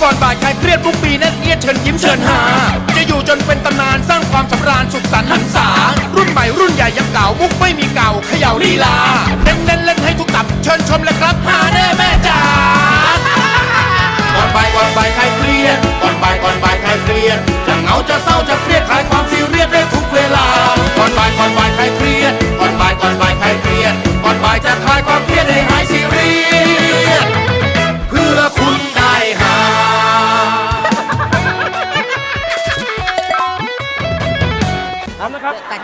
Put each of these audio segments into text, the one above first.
ก่อนบ่ายคลายเครียดทุกปีแน่นเอียดเชิญยิ้มเชิญหาจะอยู่จนเป็นตำนานสร้างความสำราญสุขสันต์หันษารุ่นใหม่รุ่นใหญ่ยังเก่ามุกไม่มีเก่าเขย่าลีลาเน้นเล่นให้ทุกตับเชิญชมเลยครับหาแน่แม่จ๋าก่อนบ่ายคลายเครียดก่อนบ่ายคลายเครียดจะเหงาจะเศร้าจะเครียดคลายความซีเรียสได้ทุกเวลาก่อนบ่ายคลายเครียดก่อนบ่ายคลายเครียดก่อนบ่ายจะคลายความเครียดให้หายซีเรียสเพื่อคุณได้หาพร้อมนะครับ1 2 3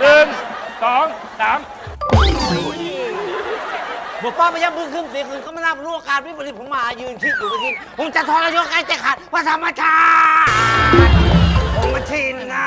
บุกป้าพยับมือขึ้นเสียงคืนเขามานับรู้อาการวิปริตผมมายืนคิดอยู่เมื่อกี้ผมจะทรยศไอ้ใจขาดว่าธรรมชาติผมมาชินนะ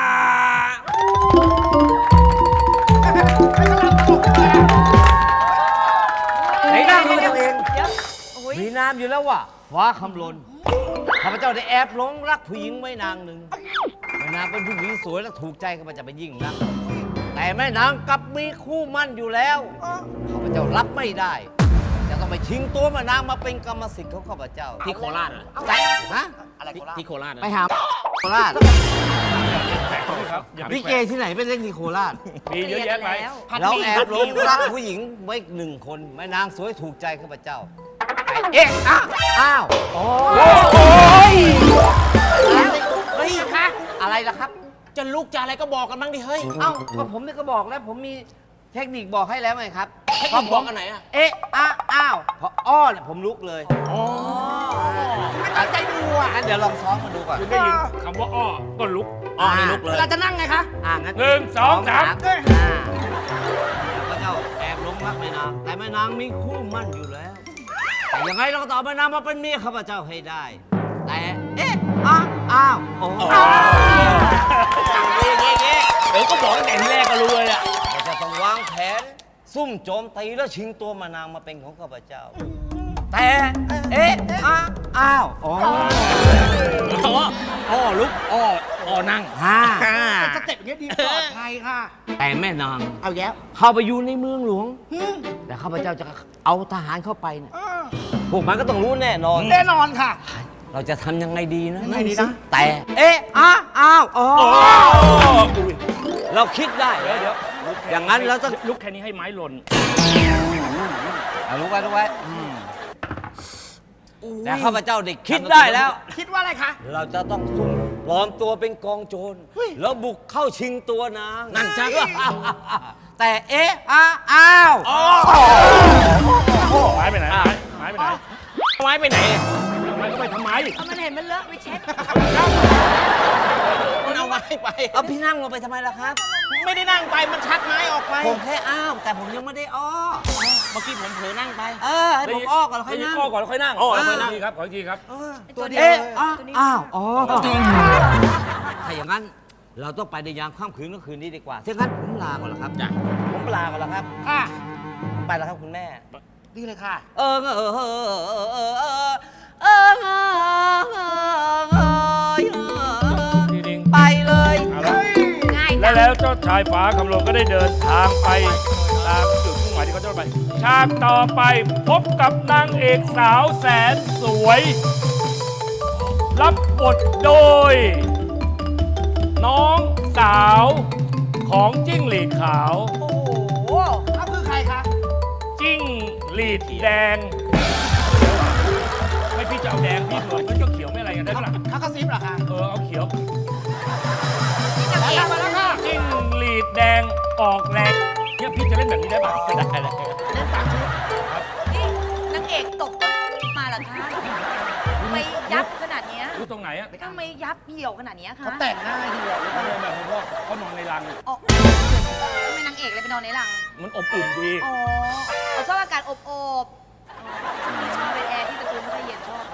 ไหนน้ำมือตัวเองมีน้ำอยู่แล้วว่ะฟ้าคำลนข้าพเจ้าได้แอบหลงรักผู้หญิงไว้นางหนึ่งแม่นางเป็นผู้หญิงสวยและถูกใจข้าพเจ้าไปยิ่งนักแต่แม่นางกลับมีคู่มั่นอยู่แล้วข้าพเจ้ารับไม่ได้จะต้องไปชิงตัวแม่นางมาเป็นกรรมสิทธิ์ของข้าพเจ้าที่โคราชเหรอใช่ฮะอะไรที่โคราชไปหาโคราชครับลิเกที่ไหนเป็นเล่นที่โคราชมีเยอะแยะไปเราแอบหลงรักผู้หญิงไว้หนึ่งคนแม่นางสวยถูกใจข้าพเจ้าเอ๊ะอ้าวโอ้ยเฮ้ยคะอะไรล่ะครับจะลุกจะอะไรก็บอกกันบ้างดิเฮ้ยเอ้าก็ผมนี่ก็บอกแล้วผมมีเทคนิคบอกให้แล้วไงครับเทคนิคบอกอันไหนอ่ะเอ๊ะอ้าวพออ้อเนี่ยผมลุกเลยอ๋อตั้งใจดูอ่ะงั้นเดี๋ยวลองซ้อมมาดูก่อนคุณได้ยินคำว่าอ้อก็ลุกนี่ลุกเลยเราจะนั่งไงคะงั้น 1 2 3 พระเจ้าแอบหลงรักแม่นางแต่แม่นางมีคู่มั่นอยู่แล้วแต่ยังไงเราก็ต่อแม่นางมาเป็นเมียข้าพเจ้าให้ได้แต่เอ๊ะอ้าวโอ้เดี๋ยวก็บอกตั้งแต่ที่แรกก็รู้เลยอ่ะเราจะต้องวางแผนซุ่มโจมตีแล้วชิงตัวแม่นางมาเป็นของข้าพเจ้าแต่เอ๊ะอ้าวอ้อลุกอ้อนั่งสเต็ปอย่างนี้ดีปลอดภัยค่ะแต่แม่นางเอาแย้วเข้าไปอยู่ในเมืองหลวงแต่ข้าพเจ้าจะเอาทหารเข้าไปเนี่ยพวกมันก็ต้องรู้แน่นอนค่ะเราจะทำยังไงดีนะยังไงดีนะแต่เอ๊ะอ้าวเราคิดได้เดี๋ยวอย่างนั้นเราต้องลุกแค่นี้ให้ไม้หล่นลุกไว้แต่ข้าพเจ้าได้คิดได้แล้วคิดว่าอะไรคะเราจะต้องซุ่มปลอมตัวเป็นกองโจรแล้วบุกเข้าชิงตัวนางนั่นจ้ะแต่เอ๊ะอ้าวไม้ไปไหนไม้ไปไหนไม้ไปไหนมันก็ไปทำไมมันเห็นมันเลอะไปเช็ดมันเอาไม้ไปเอาพี่นั่งลงไปทำไมล่ะครับไม่ได้นั่งไปมันชักไม้ออกไปผมแค่อ้าวแต่ผมยังไม่ได้อ้อเมื่อกี้ผมเผลอนั่งไปให้ผมอ้อก่อนแล้วค่อยนั่งอ้อก่อนแล้วค่อยนั่งอ้อแล้วค่อยนั่งครับขออีกทีครับตัวเดียวอ้าวถ้าอย่างนั้นเราต้องไปในยามค่ำคืนก็คืนนี้ดีกว่าถ้างั้นผมลาก่อนแล้วครับผมลาก่อนแล้วครับไปแล้วครับคุณแม่ดีเลยค่ะไปเลยแล้วเจ้าชายฟ้าคำลงก็ได้เดินทางไปตามจุดมุ่งหมายที่เขาจะไปฉากต่อไปพบกับนางเอกสาวแสนสวยรับบทโดยน้องสาวของจิ้งหรีดขาวโอ้โหเขาคือใครคะจิ้งหรีดแดงไม่พี่จะเอาแดงพี่เหมือนมันก็เขียวไม่อะไรกันได้หรอเขากระซิบเหรอคะเอาเขียวมาแล้วค่ะจิ้งหรีดแดงออกแรงเนี่ยพี่จะเล่นแบบนี้ได้ป่ะได้เลยเล่นตามชุดครับนี่นางเอกตกต้นมาเหรอคะไม่ยับขนาดนี้ตรงไหนอะทำไมยับเหี่ยวขนาดนี้คะเขาแต่งหน้าเหี่ยวเขาแบบพ่อเขานอนในรังทำไมนางเอกเลยไปนอนในรังมันอบอุ่นดีเขาชอบอากาศอบชอบเป็นแอร์ที่ตะกูลไม่ค่อยเย็นชอบ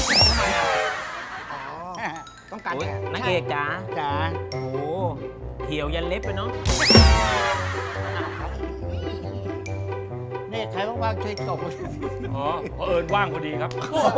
ต้องการนางเอกจ๋าโอ้เหี่ยวยันเล็บไปเนาะนี่ใครว่างๆช่วยตบเพราะเอิญว่างพอดีครับ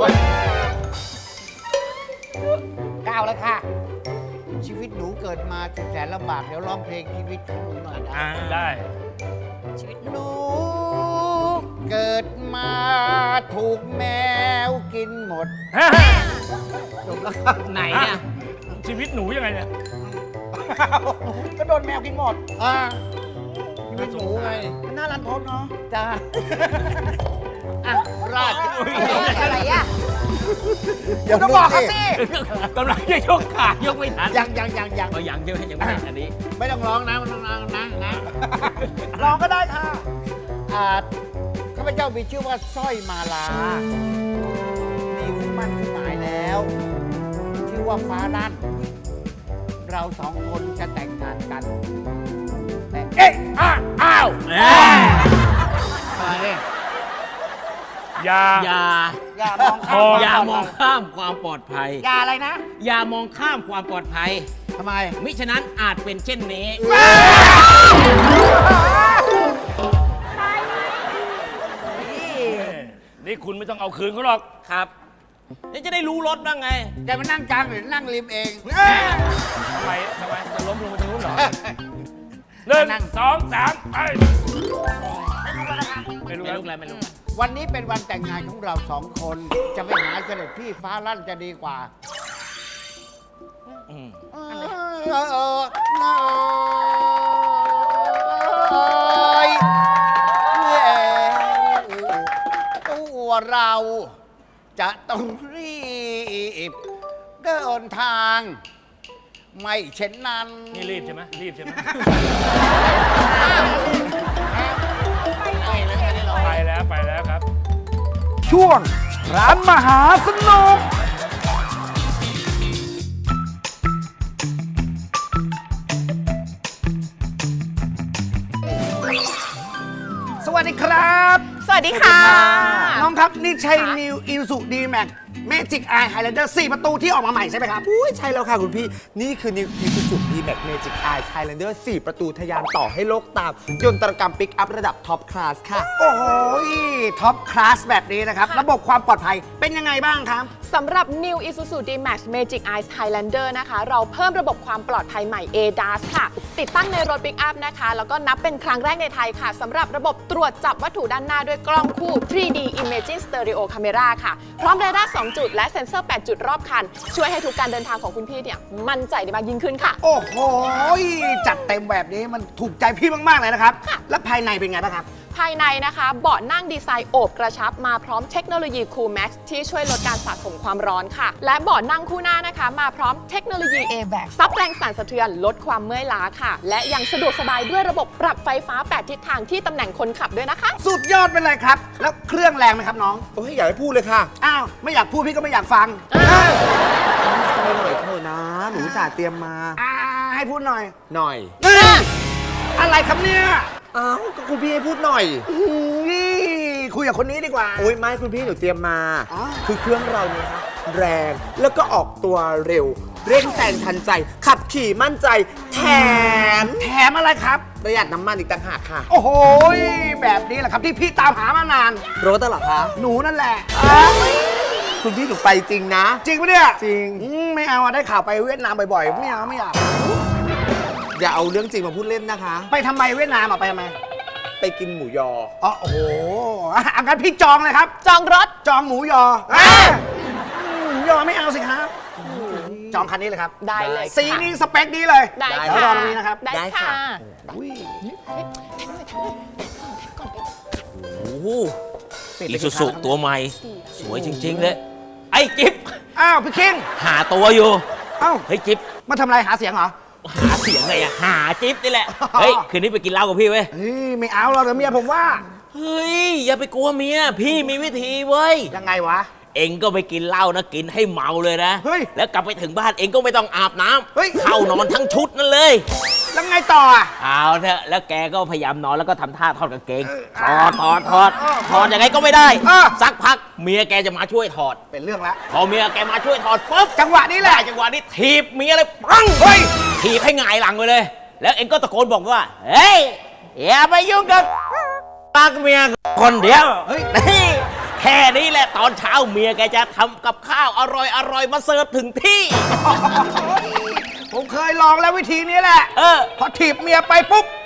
ก้าวแล้วค่ะชีวิตหนูเกิดมาแสนลำบากเดี๋ยวร้องเพลงชีวิตของหนูหน่อยได้ชีวิตหนูเกิดมาถูกแมวกินหมดจบแล้วครับไหนเนี่ยชีวิตหนูยังไงเนี่ยก็โดนแมวกินหมดชีวิตหนูไงมันน่ารันทดเนาะจ้าอ่ะราชอะไรอ่ะเดี๋ยวก็บอกเขาสิกำลังจะยกขายกไม่ทันยังเอายังใช่ไหมยังไม่ทันอันนี้ไม่ต้องร้องนะมันต้องร้องนะร้องก็ได้ค่ะข้าพเจ้ามีชื่อว่าสร้อยมาลามีคู่มั่นคู่หมายแล้ว ชื่อว่าฟ้าลั่น เราสองคนจะแต่งงานกัน แต่เอ๊ะอ้าวอย่าอย่าอย่ามองข้ามอย่ามองข้ามความปลอดภัยอย่าอะไรนะอย่ามองข้ามความปลอดภัยทำไมมิฉะนั้นอาจเป็นเช่นนี้นี่คุณไม่ต้องเอาคืนเขาหรอกครับนี่จะได้รู้รถบ้างไงแกมานั่งกลางหรือนั่งริมเองทำไมจะล้มลงไปตรงนู้นเหรอหนึ่งนั่งสองสามไปไม่รู้ไม่แล้วรู้อะไรไม่รู้วันนี้เป็นวันแต่งงานของเราสองคน จะไปหาเสด็จพี่ฟ้าลั่นจะดีกว่าอืมตัวเราจะต้องรีบเดินทาง ไม่เช่นนั้นนี่รีบใช่ไหมรีบใช่ไหมไปแล้วครับช่วงร้านมหาสนุกสวัสดีครับสวัสดีค่ะน้องครับ นี่ใช่ New Isuzu D-Max Magic Eye Highlander 4 ประตูที่ออกมาใหม่ใช่ไหมครับอุ้ยใช่แล้วค่ะคุณพี่ นี่คือ New Isuzu D-Max Magic Eye Highlander 4 ประตูทะยานต่อให้โลกตาม ยนตรกรรมปิกอัพระดับท็อปคลาสค่ะโอ้โหท็อปคลาสแบบนี้นะครับ ระบบความปลอดภัยเป็นยังไงบ้างครับสำหรับ New Isuzu D-Max Magic Eyes Highlander นะคะ เราเพิ่มระบบความปลอดภัยใหม่ ADAS ค่ะ ติดตั้งในรถปิกอัพนะคะ แล้วก็นับเป็นครั้งแรกในไทยค่ะ สำหรับระบบตรวจจับวัตถุด้านหน้าด้วยกล้องคู่ 3D Imaging Stereo Camera ค่ะ พร้อมเรดาร์ 2 จุด และเซ็นเซอร์ 8 จุดรอบคัน ช่วยให้ทุกการเดินทางของคุณพี่เนี่ยมั่นใจได้มากยิ่งขึ้นค่ะโอ้โหจัดเต็มแบบนี้มันถูกใจพี่มาก ๆ เลยนะครับ แล้วภายในเป็นไงบ้างครับภายในนะคะเบาะนั่งดีไซน์โอบกระชับมาพร้อมเทคโนโลยี Cool Max ที่ช่วยลดการสะสมความร้อนค่ะ และเบาะนั่งคู่หน้านะคะ มาพร้อมเทคโนโลยี AVAC ซับแรงสั่นสะเทือนลดความเมื่อยล้าค่ะ และยังสะดวกสบายด้วยระบบปรับไฟฟ้า 8 ทิศทางที่ตำแหน่งคนขับด้วยนะคะสุดยอดไปเลยครับ แล้วเครื่องแรงไหมครับน้องโอ้ยอยากให้พูดเลยค่ะอ้าว ไม่อยากพูดพี่ก็ไม่อยากฟังไม่หน่อยเถอะนะ หนูอุตสาห์เตรียมมาให้พูดหน่อยหน่อยอะไรครับเนี่ยอ้าวก็คุณพี่ให้พูดหน่อยนี่คุยกับคนนี้ดีกว่าโอ้ยไม่คุณพี่หนูเตรียมมาอ๋อคือเครื่องเราเนี่ยครับแรงแล้วก็ออกตัวเร็ว เร่งแซงทันใจ ขับขี่มั่นใจ แถมแถมอะไรครับประหยัดน้ำมันอีกต่างหากค่ะโอ้โหแบบนี้แหละครับที่พี่ตามหามานานรถตลอดคะหนูนั่นแหละคุณพี่หนูไปจริงนะจริงปะเนี่ยจริงไม่เอาอะได้ข่าวไปเวียดนามบ่อยๆ ไม่เอาไม่อยากอย่าเอาเรื่องจริงมาพูดเล่นนะคะไปทำไมเวียดนามอะไปทำไมไปกินหมูยออ๋อโอ้โหงั้นพี่จองเลยครับจองรถจองหมูยอหมูยอไม่เอาสิครับ จองคันนี้เลยครับได้เลยค่ะสีนี้สเปคนี้เลยได้เดี๋ยวค่ะรอตรงนี้นะครับได้ได้ค่ะค่ะอุ้ยโอ้โหอีซูซุตัวใหม่ สวยจริง ๆ เลย ไอ้จิ๊บอ้าวพี่คิงหาตัวอยู่เอ้าเฮ้ยจิ๊บมาทำอะไรหาเสียงเหรอหาเสียงไงอะหาจิ๊บนี่แหละ เฮ้ย คืนนี้ไปกินเหล้ากับพี่เว้ยเฮ้ยไม่เอาเราเดี๋ยวเมียผมว่าเฮ้ย อย่าไปกลัวเมีย พี่มีวิธีเว้ยยังไงวะเองก็ไปกินเหล้านะ กินให้เมาเลยนะเฮ้ยแล้วกลับไปถึงบ้านเองก็ไม่ต้องอาบน้เฮ้ยำเข้านอนทั้งชุดนั่นเลยแล้วไงต่ออะเอาเถอะแล้วแกก็พยายามนอนแล้วก็ทำท่าทอดกางเกงเอถออดยังไงก็ไม่ได้เออสักพักเมียแกจะมาช่วยถอดเป็นเรื่องละพอเมียแกมาช่วยถอดปุ๊บจังหวะนี้แหได้ละจังหวะนี้ถีบเมียเลยปังเฮ้ยถีบให้หงายหลังไปเลย แล้วเองก็ตะโกนบอกว่า เฮ้ย อย่าไปยุ่งกับปักเมียคนเดียวเฮ้ยนี่แค่นี้แหละตอนเช้าเมียแกจะทำกับข้าวอร่อยมาเสิร์ฟถึงที่ผมเคยลองแล้ววิธีนี้แหละเออพอถีบเมียไปปุ๊บ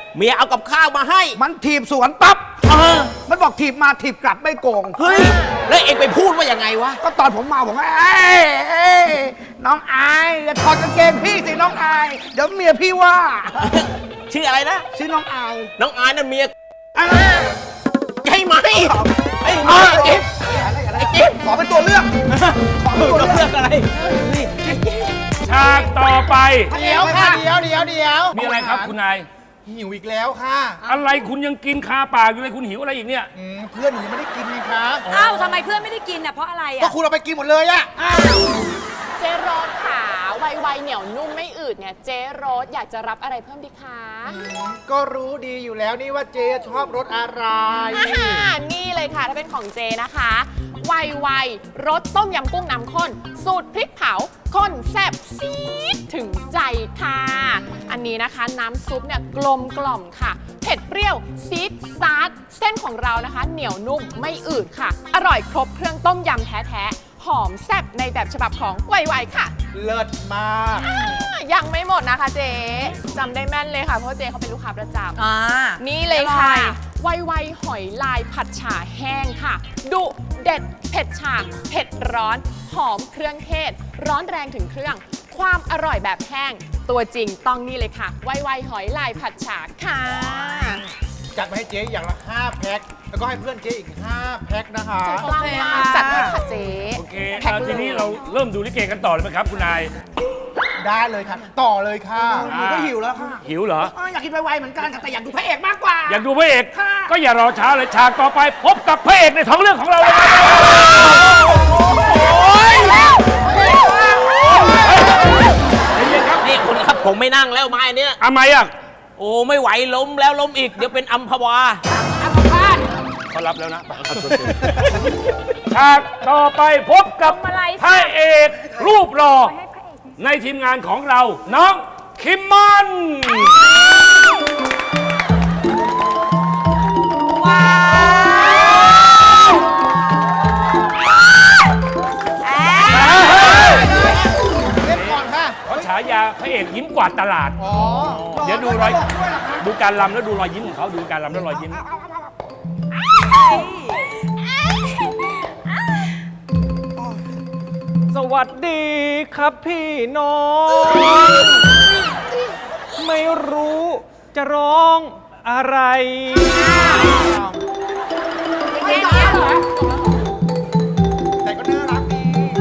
เมียเอากับข้าวมาให้มันถีบสวนปั๊บมันบอกถีบมาถีบกลับไม่โกงเฮ้ย แล้วเองไปพูดว่ายังไงวะก็ตอนผมเมาผมว่าเอ้ยน้องอายอย่าถอดกางเกงพี่สิน้องอายเดี๋ยวเมียพี่ว่าชื่ออะไรนะชื่อน้องอายน้องอายนั่นเมียอ่ะให้ไหมไอ้อ่ะเจ๊บไอ้จิ๊บขอเป็นตัวเลือกขอเป็นตัวเราเลืเลืออก กอะไรฉากต่อไปเดี๋ยวค่ะเดี๋ยวมีอะไรครับคุณนายหิวอีกแล้วค่ะอะไรคุณยังกินคาปากอยู่เลยคุณหิวอะไรอีกเนี่ยเพื่อนหนูยังไม่ได้กินไงครับอ้าวทำไมเพื่อนไม่ได้กินอ่ะเพราะอะไรก็อ่ะคุณเอาไปกินหมดเลยอะเจโรสขาไวๆเหนียวนุ่มไม่อืดเนี่ย เจโรสอยากจะรับอะไรเพิ่มดีคะก็รู้ดีอยู่แล้วนี่ว่าเจชอบรสอะไรนี่เลยค่ะ ถ้าเป็นของเจนะคะไวๆรสต้มยำกุ้งน้ำข้น สูตรพริกเผาข้นแซ่บซีดถึงใจค่ะ อันนี้นะคะน้ำซุปเนี่ยกลมกล่อมค่ะ เผ็ดเปรี้ยวซีดซาดเส้นของเรานะคะ เหนียวนุ่มไม่อืดค่ะ อร่อยครบเครื่องต้มยำแท้ๆหอมแซ่บในแบบฉบับของไวๆค่ะเลิศมากยังไม่หมดนะคะเจ๊จำได้แม่นเลยค่ะ เพราะเจ๊เขาเป็นลูกค้าประจำอ่านี่เลยค่ะอร่อยไวๆหอยลายผัดฉ่าแห้งค่ะ ดุเด็ดเผ็ดฉ่าเผ็ดร้อน หอมเครื่องเทศ ร้อนแรงถึงเครื่อง ความอร่อยแบบแห้ง ตัวจริงต้องนี่เลยค่ะ ไวๆหอยลายผัดฉ่าค่ะจัดมาให้เจ๊อย่างละ 5 แพ็ค แล้วก็ให้เพื่อนเจ๊อีก 5 แพ็คนะคะกล้ามมากจัดให้ค่ะเจ๊โอเคแพ็คทีนี้เราเริ่มดูลิเกกันต่อเลยไหมครับคุณนายได้เลยค่ะ ต่อเลยค่ะหนูก็หิวแล้วค่ะหิวเหรออยากกินไวๆเหมือนกันค่ะแต่อยากดูพระเอกมากกว่าอยากดูพระเอกค่ะก็อย่ารอช้าเลยฉากต่อไปพบกับพระเอกในท้องเรื่องของเราเลยครับเย็นๆครับนี่คุณครับผมไม่นั่งแล้วไม้เนี้ยทำไมอ่ะโอ้ไม่ไหวล้มแล้วล้มอีก เดี๋ยวเป็นอัมพวาเขารับแล้วนะฉากต่อไปพบกับพระเอกรูปหล่อในทีมงานของเรา น้องคิมมอนเล่นก่อนค่ะเขาฉายาพระเอกยิ้มกวาดตลาด เดี๋ยวดูรอยดูการลำแล้วดูรอยยิ้มของเขาดูการลำแล้วรอยยิ้มสวัสดีครับพี่น้อง ไม่รู้จะร้องอะไรแค่นี้เหรอแต่ก็น่ารักดี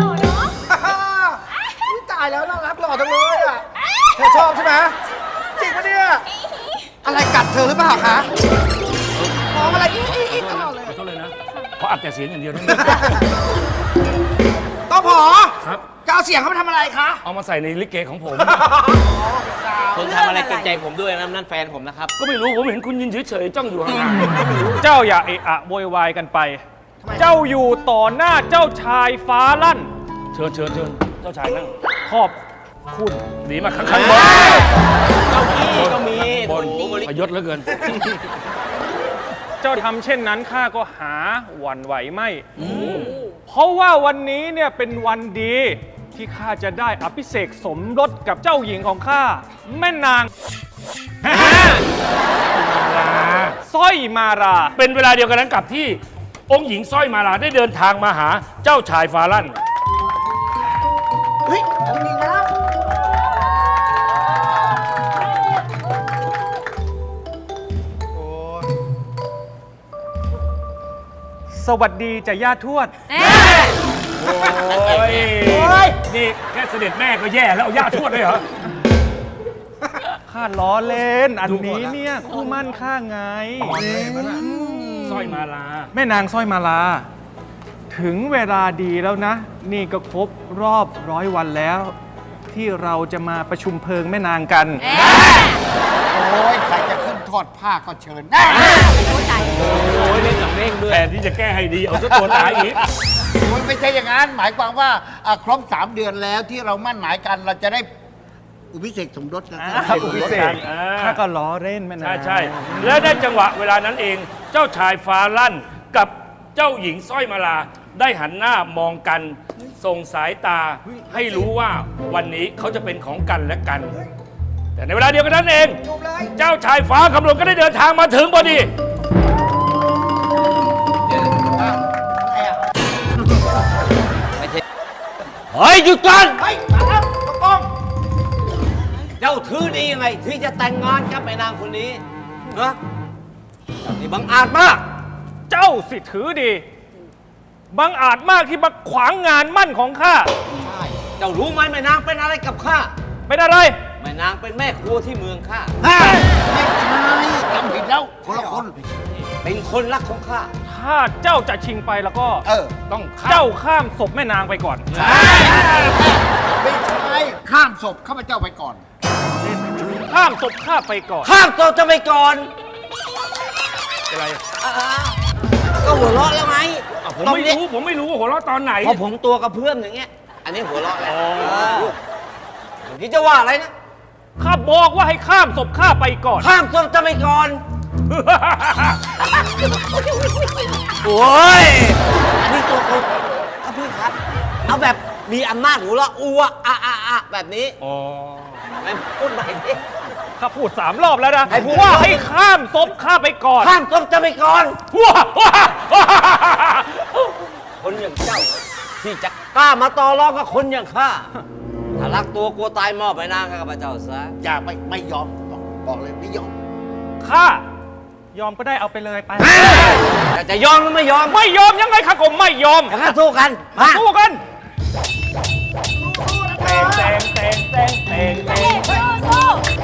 ตายแล้วน่ารักหล่อจังเลยอ่ะเธอชอบใช่ไหมจริงปะเนี่ย อะไรกัดเธอหรือเปล่าคะมองอะไรอีกตลอดเลยขอโทษเลยนะเพราะอัดแต่เสียงอย่างเดียวนะต้องผอครับจะเอาเสียงเขาไปทำอะไรคะเอามาใส่ในลิเกของผมคนทำอะไรเกรงใจผมด้วยนะนั่นแฟนผมนะครับก็ไม่รู้ผมเห็นคุณยืนเฉยๆจ้องอยู่ห่างเจ้าอย่าเอะอะโวยวายกันไป เจ้าอยู่ต่อหน้าเจ้าชายฟ้าลั่นๆเชิญเจ้าชายนั่งขอบคุณดีมากข้างบนเก้าอี้ก็มีบนพยศเหลือเกินเจ้าทำเช่นนั้นข้าก็หาหวั่นไหวไม่ เพราะว่าวันนี้เนี่ยเป็นวันดีที่ข้าจะได้อภิเษกสมรสกับเจ้าหญิงของข้าแม่นางสร้อยมาราเป็นเวลาเดียวกันนั้นกับที่องค์หญิงสร้อยมาลาได้เดินทางมาหาเจ้าชายฟาลั่นเฮ้ยจริงๆแล้วสวัสดีจ้ะย่าทวดโอ้ยนี่แค่เสด็จแม่ก็แย่แล้วเอาย่าทวดเลยเหรอข้าล้อเล่น อันนี้เนี่ยคู่มั่นข้าไงสร้อยมาลาแม่นางสร้อยมาลา ถึงเวลาดีแล้วนะ นี่ก็ครบรอบ100 วันแล้ว ที่เราจะมาประชุมเพลิงแม่นางกันโอ้ยใครจะขึ้นทอดผ้าก็เชิญโอ้ยเล่นกับเร่งด้วยแทนที่จะแก้ให้ดีเอาซะตัวตายอีกมันไม่ใช่อย่างนั้น หมายความว่าครบ 3 เดือนแล้วที่เรามั่นหมายกันเราจะได้อุพิเษกสมรสนะอุพิเศษอ่าข้าก็ล้อเล่นแม่นางใช่และได้จังหวะเวลานั้นเอง เจ้าชายฟ้าลั่นกับเจ้าหญิงสร้อยมาลาได้หันหน้ามองกันส่งสายตาให้รู้ว่าวันนี้เขาจะเป็นของกันและกันแต่ในเวลาเดียวกันนั้นเองจบเลยเจ้าชายฟ้าคำลนก็ได้เดินทางมาถึงพอดีเฮ้ยหยุดก่อนเฮ้ยมาแล้วตะกล้องเจ้าถือดียังไงที่จะแต่งงานกับแม่นางคนนี้นะเจ้านี่บังอาจมากเจ้าสิถือดีบังอาจมากที่มาขวางงานมั่นของข้าเจ้ารู้ไหมแม่นางเป็นอะไรกับข้าเป็นอะไรแม่นางเป็นแม่ครัวที่เมืองข้าไม่ใช่จำผิดแล้วคนละคนเป็นคนรักของข้าถ้าเจ้าจะชิงไปแล้วก็ต้องฆ่าเจ้าข้ามศพแม่นางไปก่อนไม่ใช่ข้ามศพข้าพเจ้าไปก่อนข้ามศพข้าไปก่อนข้ามตัวจะไปก่อนอะไรก็หัวเราะแล้วไงผมไม่รู้ว่าหัวเราะตอนไหนพอผมตัวกระเพื่อมอย่างเงี้ย อันนี้หัวเราะแล้วเมื่อกี้จะว่าอะไรนะข้าบอกว่าให้ข้ามศพข้าไปก่อนข้ามตัวจะไปก่อน โอ้ย อันนี้ตัวคนครับพี่ครับ เอาแบบมีอำนาจหัวเราะอัวอะแบบนี้อ๋อไม่พูดใหม่ดิข้าพูด3 รอบแล้วนะให้พูดว่าให้ข้ามศพข้าไปก่อนข้ามตัวจะไปก่อนว้าว้าว้าคนอย่างเจ้า ที่จะกล้ามาต่อรองกับคนอย่างข้า ถ้ารักตัวกลัวตายมอบไปนางกับพระเจ้าซะอย่าไม่ยอมบอกเลยไม่ยอมข้ายอมก็ได้เอาไปเลยไปแต่จะยอมหรือไม่ยอมไม่ยอมยังไงข้าก็ไม่ยอมงั้นสู้กัน มาสู้กันเตงเตงเตงเตงเตงเตงสู้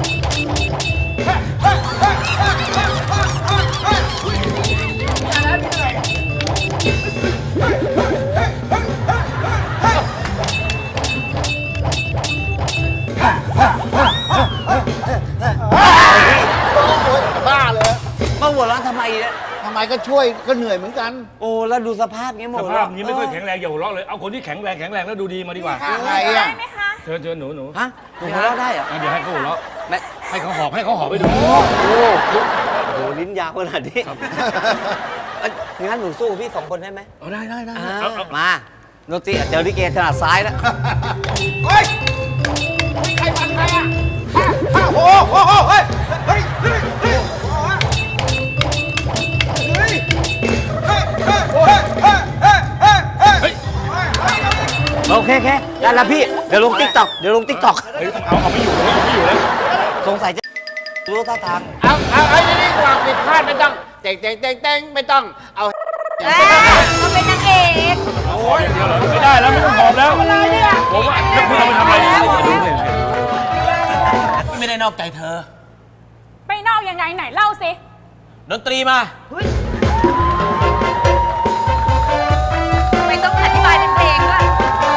บ้าเลยมาหัวเราะทำไมเนี่ยทำไมก็ช่วยก็เหนื่อยเหมือนกันโอ้แล้วดูสภาพเงี้ยหมสดภาพนี้ไม่ค่อยแข็งแรงอย่าหัวเราะเลย เอาคนที่แข็งแรงแล้วดูดีมาดีกว่าอะไรอ่ะเชิญหนูฮะหัวเราะได้เหรอเดี๋ยวให้เขาหัวเราะแม่ให้เขาหอบไปดูโอ้โหลิ้นยาวขนาดนี้งั้นหนูสู้กับพี่2 คนได้ไหมเอาได้มาโนตีเจอลิเกถนัดซ้ายแล้วเฮ้ยใครฟันใครอ่ะโอ้โหเฮ้ยเฮ้ยเฮ้ยเฮ้ยเฮ้ยเฮ้ยเฮ้ยเฮ้ยเฮ้ยเฮ้ยเฮ้ยเฮ้ยเฮ้ยโอเคได้แล้วพี่ เดี๋ยวลงติ๊กต็อกเฮ้ยเอาไม่อยู่แล้วสงสัยจะรู้ท่าทางเอานี่กว่าผิดพลาดไม่ต้องเต็งไม่ต้อง เอาเราเป็นนางเอกโอ้ยเดี๋ยวเหรอไม่ได้แล้วไม่ต้องหอบแล้วผมว่าแล้วคุณเอาไปทำอะไรไม่ได้นอกใจเธอไปนอกยังไงไหนเล่าสิดนตรีมาไม่ต้องอธิบายเป็นเพลงด้วย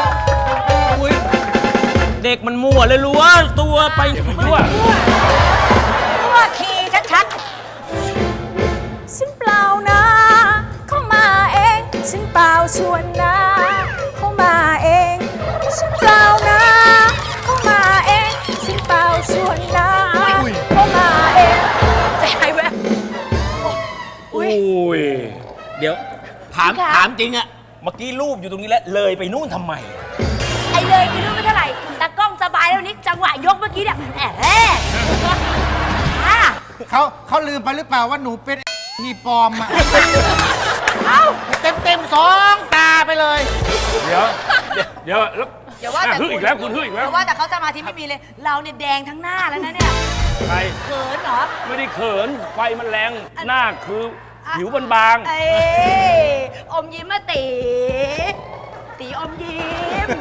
เด็กมันมั่วเลยรู้ว่าตัวไปทั่วตัวขี่ชัดฉันเปล่านะเข้ามาเองฉันเปล่าชวนนะเข้ามาเองฉันเปล่านะเข้ามาเองฉันเปล่าชวนนะเข้ามาเองๆใจหายแวบโอ้ยเดี๋ยว ถามจริงอะเมื่อกี้รูปอยู่ตรงนี้แล้วเลยไปนู่นทำไมไอ้เลยกินรู้ไม่เท่าไหร่ตากล้องสบายแล้วนิกจังหวะยกเมื่อกี้เนี่ยเขาลืมไปหรือเปล่าว่าหนูเป็นมีปลอมอ่ะเอ้าเต็ม2 ตาไปเลยเดี๋ยวแล้วอย่าว่าแต่ฮึอีกแล้วคุณฮึอีกแล้วอย่าว่าแต่เขาสมาธิไม่มีเลย เราเนี่ยแดงทั้งหน้าแล้วนะเนี่ยใครเขินเหรอไม่ได้เขินไฟมันแรงหน้าคือผิวบางเอ้ยอมยิ้มมาตีอมยิ้ม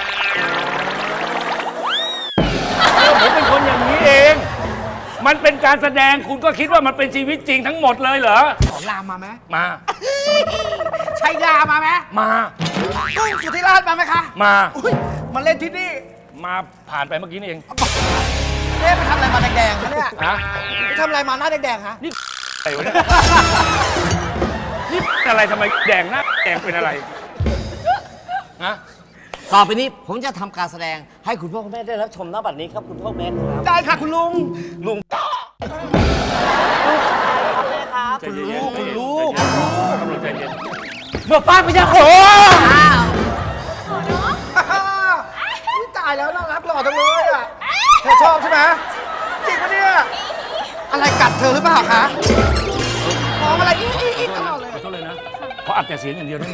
ผมเป็นคนอย่างนี้เอง มันเป็นการแสดงคุณก็คิดว่ามันเป็นชีวิตจริงทั้งหมดเลยเหรอขอลามมาไหมมาชัยยามาไหมมากุ้งสุธิราชมาไหมคะมาอุ้ยมาเล่นที่นี่มาผ่านไปเมื่อกี้นี่เองเอ๊ะไปทำอะไรมาแดงๆคะเนี่ยฮะไปทำอะไรมาหน้าแดงๆฮะอะไรวะเนี่ยนี่อะไรทำไมแดงหน้าแดงเป็นอะไรฮะต่อไปนี้ผมจะทำการแสดงให้คุณพ่อคุณแม่ได้รับชมณบัดนี้ครับคุณพ่อแม่ครับได้ค่ะคุณลุงลุงครับแม่ครับใจเย็นๆคุณลูกใจเย็นเมื่อป้าไปจะโขอุ๊ยตายแล้วน่ารักหล่อจังเลยอ่ะเธอชอบใช่ไหมกัดเธอหรือเปล่าคะมองอะไรอีตลอดเลยขอโทษเลยนะเพราะอัดแต่เสียงอย่างเดียวนะ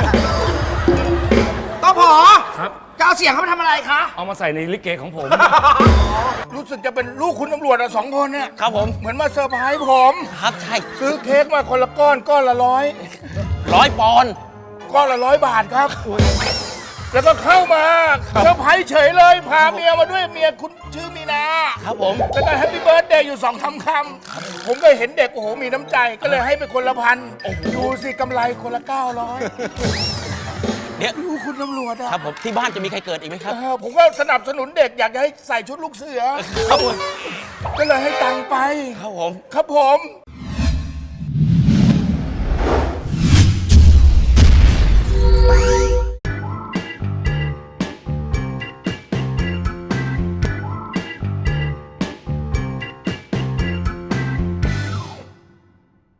ต้องผอครับจะเอาเสียงเขาไปทำอะไรคะเอามาใส่ในลิเกของผมรู้สึกจะเป็นลูกคุณตำรวจอะ2 คนเนี่ยครับผมเหมือนมาเซอร์ไพรส์ผมครับใช่ซื้อเค้กมาคนละก้อนก้อนละ100 100 ปอนด์ก้อนละ100 บาทครับ แล้วก็เข้ามาเซอร์ไพรส์เฉยเลย พาเมียมาด้วยเมียคุณชื่อมีนาครับผมแล้วก็แฮปปี้เบิร์ดเดย์อยู่2-3 คำผมก็เห็นเด็กโอ้โหมีน้ำใจก็เลยให้ไปคนละพันดูสิกำไรคนละ900 เดี๋ยวลูกคุณตำรวจอะครับผมที่บ้านจะมีใครเกิดอีกไหมครับผมก็สนับสนุนเด็กอยากจะให้ใส่ชุดลูกเสือครับผมก็เลยให้ตังค์ไปครับผมครับผม